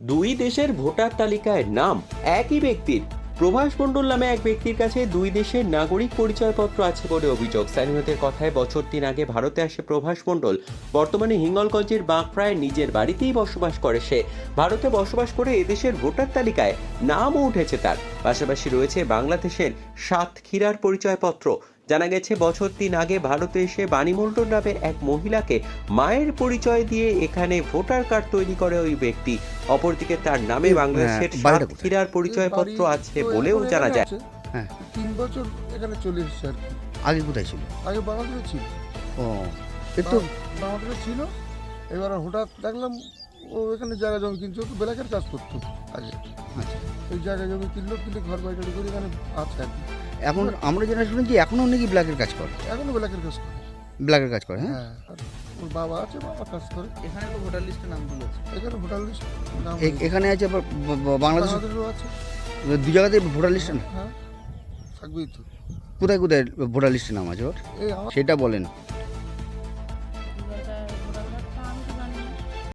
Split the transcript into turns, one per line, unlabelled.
দুই দেশের ভোটার তালিকায় নাম একই ব্যক্তির। প্রভাস মণ্ডল নামে এক ব্যক্তির কাছে দুই দেশের নাগরিক পরিচয়পত্র আছে বলে অভিযোগ। স্থানীয়দের কথায় বছর ৩ আগে ভারতে আসে প্রভাস মণ্ডল। বর্তমানে হিঙ্গলগঞ্জের বাঁকড়ায় নিজের বাড়িতেই বসবাস করে সে। ভারতে বসবাস করে এদেশের ভোটার তালিকায় নামও উঠেছে তার। পাশাপাশি রয়েছে বাংলাদেশের সাতক্ষীরার পরিচয়পত্র। জানা গেছে বছর ৩ আগে ভারতে এসে বাণী মণ্ডল নামের এক মহিলাকে মায়ের পরিচয় দিয়ে এখানে ভোটার কার্ড তৈরি করে ওই ব্যক্তি। অপরদিকে তার নামে বাংলাদেশের সাতক্ষীরার পরিচয়পত্র আছে বলেও জানা যায়।
হ্যাঁ,
৩ বছর এখানে চলে এসেছে আর কি।
আগে কোথায় ছিল?
আগে বাংলাদেশে ছিল।
ও, একটু
বাংলাদেশে ছিল, এবার হঠাৎ দেখলাম ও এখানে জায়গা জমি কিনছে, তো ব্ল্যাকের কাজ করতো আগে।
আচ্ছা।
এই জায়গা জমি কিনলো, কিনে ঘর বাড়ি টাড়ি করে এখানে আছে আর কি।
এখন আমরা যেটা শুনেছি এখনও নাকি ব্ল্যাকের কাজ করে।
এখনো ব্ল্যাকের কাজ করে।
ব্ল্যাকের কাজ করে, হ্যাঁ।
হ্যাঁ, আর ওর বাবা আছে, বাবা কাজ করে।
এখানে তো ভোটার লিস্টে নাম তুলেছে।
এখানে ভোটার লিস্ট নাম
এখানে আছে আবার
বাংলাদেশেরও আছে।
দু জায়গাতে ভোটার লিস্টে না?
হ্যাঁ, থাকবেই তো।
কোথায় কোথায় ভোটার লিস্টে নাম আছে ওর
এই আমার
সেটা বলেন।